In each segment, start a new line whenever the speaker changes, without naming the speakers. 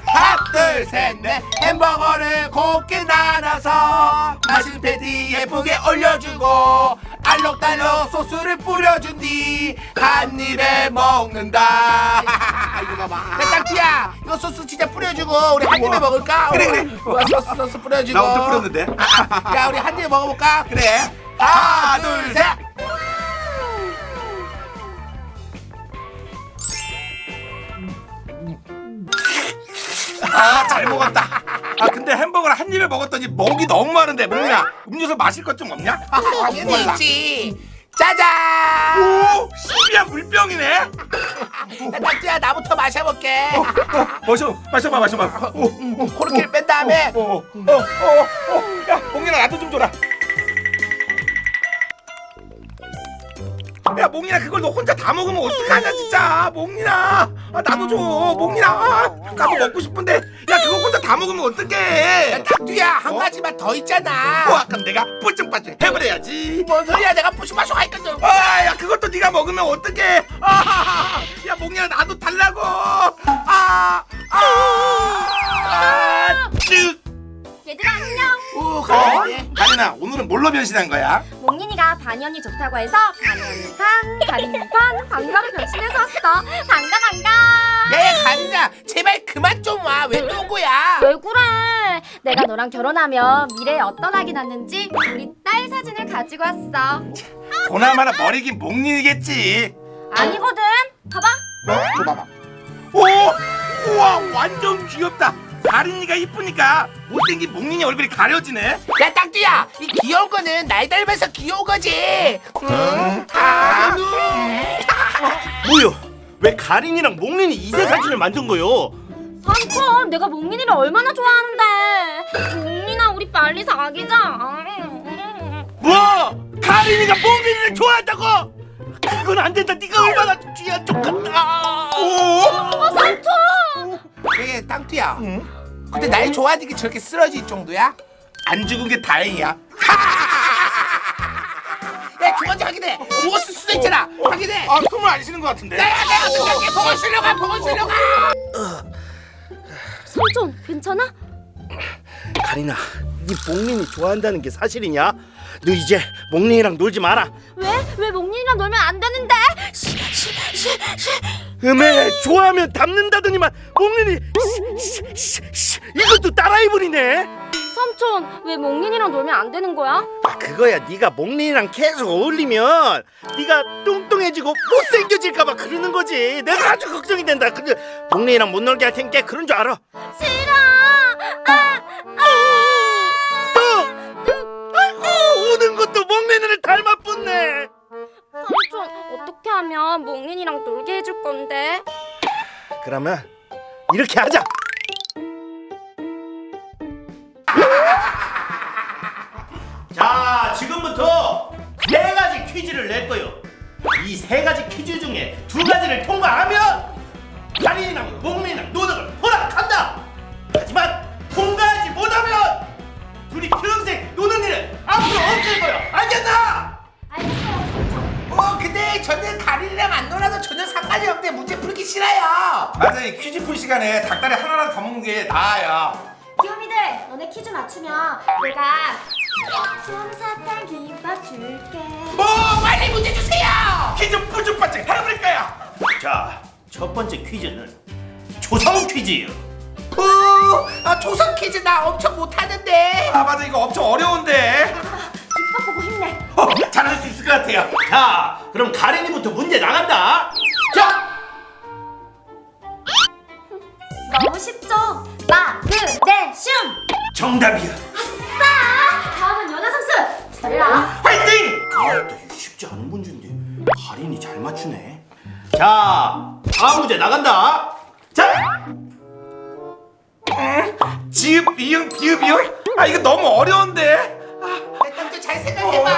하나 둘 셋 넷 햄버거를 곱게 나눠서 맛있는 패티 예쁘게 올려주고 알록달록 소스를 뿌려준 뒤 한 입에 먹는다. 이거 봐봐. 딱지야 이거 소스 진짜 뿌려주고 우리 한 입에 먹을까?
그래.
우와, 소스 뿌려주고.
나 엄청 뿌렸는데.
야 우리 한 입에 먹어볼까?
그래.
하나 둘 셋.
아, 잘 먹었다. 아, 근데 햄버거를 한 입에 먹었더니 목이 너무 마른데. 몽민아, 음료수 마실 것 좀 없냐?
당연히 있지. 짜잔.
오, 신비한 물병이네.
야, 딱지야 나부터 마셔볼게.
마셔봐.
코르키를 뺀 다음에
야, 몽민아 나도 좀 줘라. 야, 몽민아 그걸 너 혼자 다 먹으면 어떡하냐 진짜. 몽민아, 아, 나도 줘. 몽민아, 나도 먹고 싶은데. 야, 그거 혼자 다 먹으면 어떡해.
딱지야 한 가지만 더 있잖아.
와, 그럼 내가 뿌ጭ빠ጭ 해버려야지.
뭔 소리야 내가 부시마쇼 하니까
아, 야, 그것도 네가 먹으면 어떡해. 아, 야, 몽민아 나도 달라고. 쓱.
얘들아 안녕.
오 가야지.
가린아, 오늘은 뭘로 변신한 거야?
몽린이가 반연이 좋다고 해서 반연이 반, 가린이 반, 반가로 변신해서 왔어. 반가.
야야 가린아 제발 그만 좀 와. 왜 또 온 거야?
왜 그래? 내가 너랑 결혼하면 미래에 어떤 아기 낳는지 우리 딸 사진을 가지고 왔어.
보나마나 머리긴 몽린이겠지.
아니거든. 봐봐.
줘봐봐.
오, 우와, 완전 귀엽다. 가린이가 이쁘니까 못생긴 몽린이 얼굴이 가려지네.
야 딱지야 이 귀여운 거는 날 닮아서 귀여운 거지.
뭐요? 왜 가린이랑 몽린이 이세 사진을 만든 거요?
삼촌, 내가 몽린이를 얼마나 좋아하는데. 몽린아, 우리 빨리 사귀자.
뭐? 가린이가 몽린이를 좋아한다고? 그건 안 된다. 네가 얼마나 귀한 쪽 같다.
삼촌.
그게 땅띠야. 근데 날 좋아하니까 저렇게 쓰러질 정도야?
안 죽은 게 다행이야.
야 주머니 확인해. 죽었을 수도 있잖아. 확인해.
아, 숨을 안 쉬는 것 같은데.
내가 어떻게 보고 쉬려가 보고 쉬려가.
삼촌, 괜찮아?
가린아, 네 몽린이 좋아한다는 게 사실이냐? 너 이제 몽린이랑 놀지 마라.
왜 몽린이랑 놀면 안 되는데?
음에 좋아하면 닮는다더니만 몽린이 이것도 따라해버리네.
삼촌, 왜 몽린이랑 놀면 안 되는 거야?
아, 그거야. 네가 몽린이랑 계속 어울리면 네가 뚱뚱해지고 못생겨질까봐 그러는 거지. 내가 아주 걱정이 된다. 근데 몽린이랑 못 놀게 할 테니까 그런 줄 알아.
싫어.
아이고, 우는 것도 몽린이를 닮아뿐네.
삼촌, 어떻게 하면 몽린이랑 놀게 해줄 건데?
그러면 이렇게 하자. 자, 지금부터 세 가지 퀴즈를 낼 거요. 이 세 가지 퀴즈 중에 두 가지를 통과하면 가린이랑 몽린이랑 노는 걸 허락한다. 하지만 통과하지 못하면 둘이 평생 노는 일은 앞으로 없을 거야. 알겠나?
알겠어요, 삼촌.
근데 저는 가린이랑 안 놀아도 전혀 상관이 없는데 문제 풀기 싫어요.
맞아, 이 퀴즈 풀 시간에 닭다리 하나라도 더 먹는 게 나아요.
귀요미들, 너네 퀴즈 맞추면 내가 솜사탕 김밥 줄게.
뭐 빨리 문제 주세요.
퀴즈 뿌ጭ빠ጭ 해버릴 거야.
자, 첫 번째 퀴즈는 조성 퀴즈예요.
조선 퀴즈 나 엄청 못하는데.
아, 맞아, 이거 엄청 어려운데.
김밥 보고 힘내.
잘할 수 있을 것 같아요.
자, 그럼 가린이부터 문제 나간다. 자,
너무 쉽죠? 마그네슘.
정답이야.
아싸! 다음은 연화상수. 잘라.
화이팅! 아, 또 쉽지 않은 문제인데 가린이 잘 맞추네. 자, 다음 문제 나간다. 자,
지읒, 비읒, 비읒, 비읒. 아, 이거 너무 어려운데.
일단 좀 잘 생각해봐.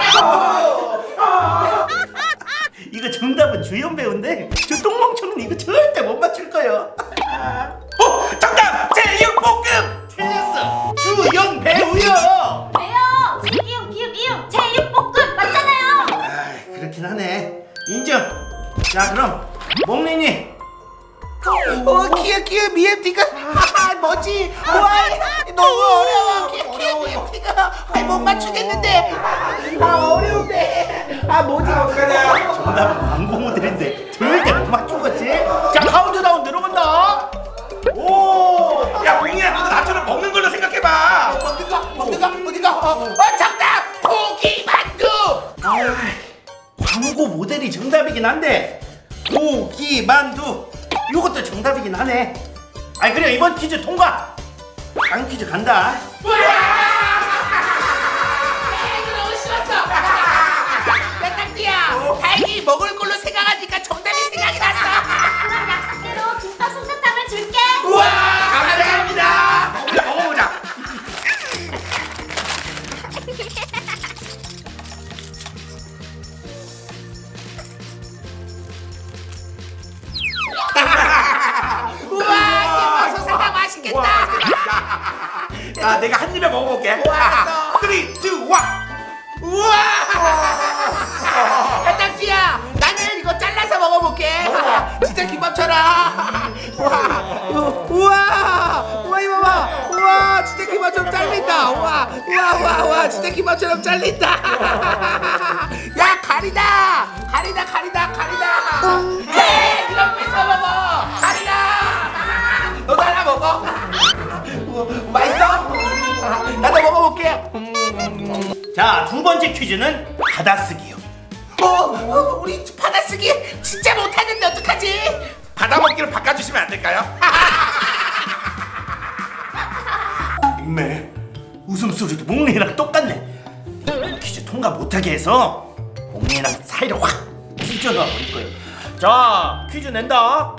이거 정답은 주연 배우인데 저 똥멍청은 이거 절대 못 맞출 거예요.
정답! 제육볶음!
틀렸어. 주연 배우요.
왜요? 제이응 비읍 이응 제육볶음 맞잖아요.
아, 그렇긴 하네. 인정. 자, 그럼 몽린이
키읔 미엠티가 뭐지? 와 너무 어려워 키읔 미엠티가 못 맞추겠는데 어려운데 뭐지 어떡하냐.
정답은 광고 모델인데 절대 못 맞춘 거지? 자 카운트다운 들어간다. 오.
야 몽이야 너도 나처럼 먹는 걸로 생각해봐.
어디가 정답 고기만두.
광고 모델이 정답이긴 한데 고기만두 이것도 정답이긴 하네. 아니 그래 이번 퀴즈 통과. 다음 퀴즈 간다.
너무 쉬웠어. 딱지야 다행히 먹을 걸로 생각하니까 정답이 생각이 났어.
그럼 약속대로 김밥 솜사탕을 줄게.
우와 감사합니다.
먹어보자.
우와 김밥 솜사탕 맛있겠다.
야 내가 한 입에 먹어볼게.
알았어.
3, 2, 1.
우와 딱지야 나는 이거 잘라서 먹어볼게. 진짜 김밥처럼. 우와 이거 봐. 우와 진짜 김밥처럼 잘린다. 우와 진짜 김밥처럼 잘린다. 야 가리다. 헤이 이거 뺏어 먹어. 가리다. 너도 하나 먹어. 맛있어? 나도 먹어볼게.
자 두 번째 퀴즈는 받아쓰기요.
우리 받아쓰기 진짜 못하는데 어떡하지?
받아먹기로 바꿔주시면 안 될까요?
네 웃음소리도 몽리랑 똑같네. 퀴즈 통과 못하게 해서 몽리랑 사이를 확 찢어놔 버릴 거예요. 자 퀴즈 낸다.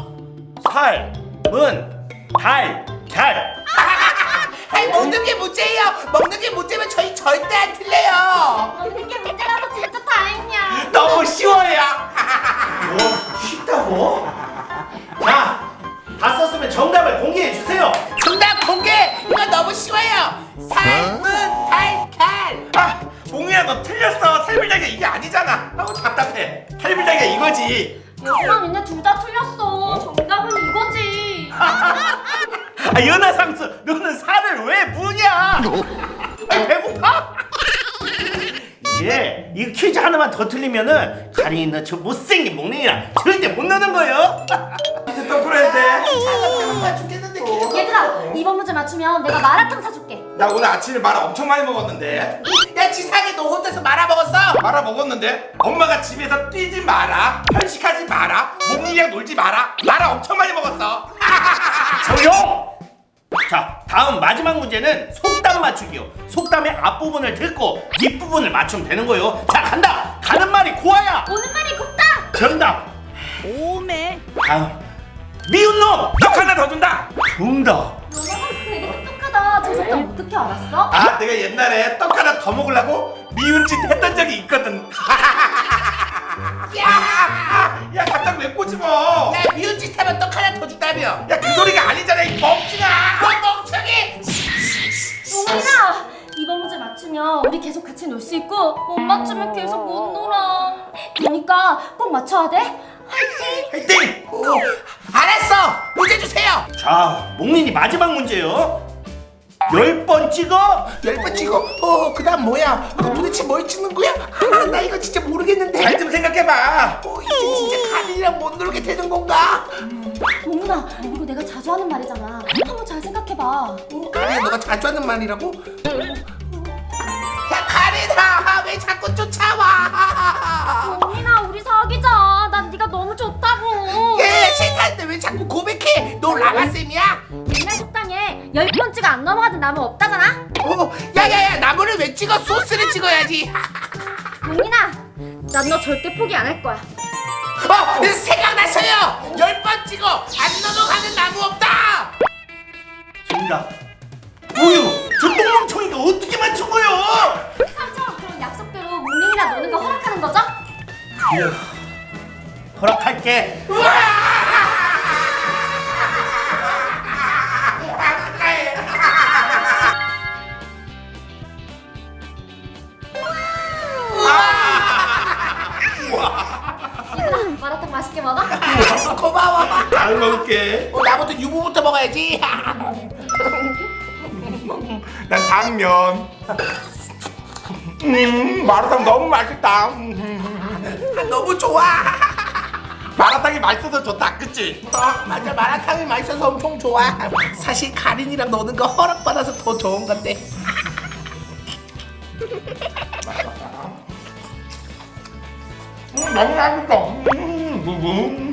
살문 달걀.
아니 먹는 게 문제예요. 먹는 게 문제면 저희 절대 안 틀려요.
먹는 게 문제라서 진짜 다행이야.
너무 쉬워요.
뭐 쉽다고? 자, 다 썼으면 정답을 공개해 주세요.
정답 공개. 이거 너무 쉬워요. 삶은 달걀.
아 몽이야 너 틀렸어. 살불닭이 이게 아니잖아. 답답해. 살불닭이 이거지.
얘들아 니네 둘 다 틀렸어. 정답은 이거지.
아, 연하상수, 너는 살을 왜 무냐? 아니, 배고파? 이제 이 퀴즈 하나만 더 틀리면은 가린이 너 저 못생긴 몽랭이랑 절대 못 노는 거예요.
이제 또 풀어야 돼.
나 죽겠는데.
얘들아 이번 문제 맞추면 내가 마라탕 사줄게.
나 오늘 아침에 마라 엄청 많이 먹었는데.
야 지상에 너 혼자서 말아 먹었어?
마라 먹었는데 엄마가 집에서 뛰지 마라, 편식하지 마라, 몽이랑 놀지 마라. 마라 엄청 많이 먹었어.
조용! 자, 다음 마지막 문제는 속담 맞추기요. 속담의 앞부분을 듣고 뒷부분을 맞추면 되는 거예요. 자, 간다! 가는 말이 고와야!
오는 말이 곱다.
정답!
오메.
다음 미운 놈!
떡 하나 더 준다.
정답!
너가 되게 똑똑하다. 저 속담 어떻게 알았어?
아, 내가 옛날에 떡 하나 더 먹으려고 미운 짓 했던 적이 있거든. 야, 갑자기 왜 꼬집어?
야 미운 짓 하면 떡 하나 더 준다며.
야, 그 소리가 아니잖아, 이 멍청아.
너 멍청이.
용민아 이번 문제 맞추면 우리 계속 같이 놀 수 있고 못 맞추면 계속 못 놀아. 그러니까 꼭 맞춰야 돼. 화이팅!
화이팅!
알았어. 문제 주세요.
자, 목린이 마지막 문제요. 10번 찍어?
10번 찍어. 그다음 뭐야? 도대체 뭘 찍는 거야? 나 이거 진짜 모르겠는데.
잘 좀 생각해봐.
이제 진짜 가린이랑 못 놀게 되는 건가?
용민아 이거 내가 자주 하는 말이잖아. 한번 잘 생각해봐.
가린아 너가 자주 하는 말이라고? 야 가린아 왜 자꾸 쫓아와?
용민아 우리 사귀자. 난 네가 너무 좋다고.
얘 싫다는데 왜 자꾸 고백해? 너 라마쌤이야?
옛날 식당에 10번 찍어 안 넘어가는 나무 없다잖아.
야야야 나무를 왜 찍어? 소스를 찍어야지.
용민아 난 너 절대 포기 안 할 거야.
생각났어요. 10번 찍어 안 넘어가는 나무 없다.
정답. 뭐요? 저 똥멍청이가 어떻게 맞춘 거요?
삼촌 그럼 약속대로 몽링이랑 노는 거 허락하는 거죠?
허락할게.
얘들아 마라탕 맛있게 먹어.
고마워.
잘 먹어. 먹을게.
나부터 유부부터 먹어야지.
난 당면. 마라탕 너무 맛있다.
너무 좋아.
마라탕이 맛있어서 좋다, 그치?
맞아, 마라탕이 맛있어서 엄청 좋아. 사실 가린이랑 노는 거 허락받아서 더 좋은 건데.
너무 맛있어.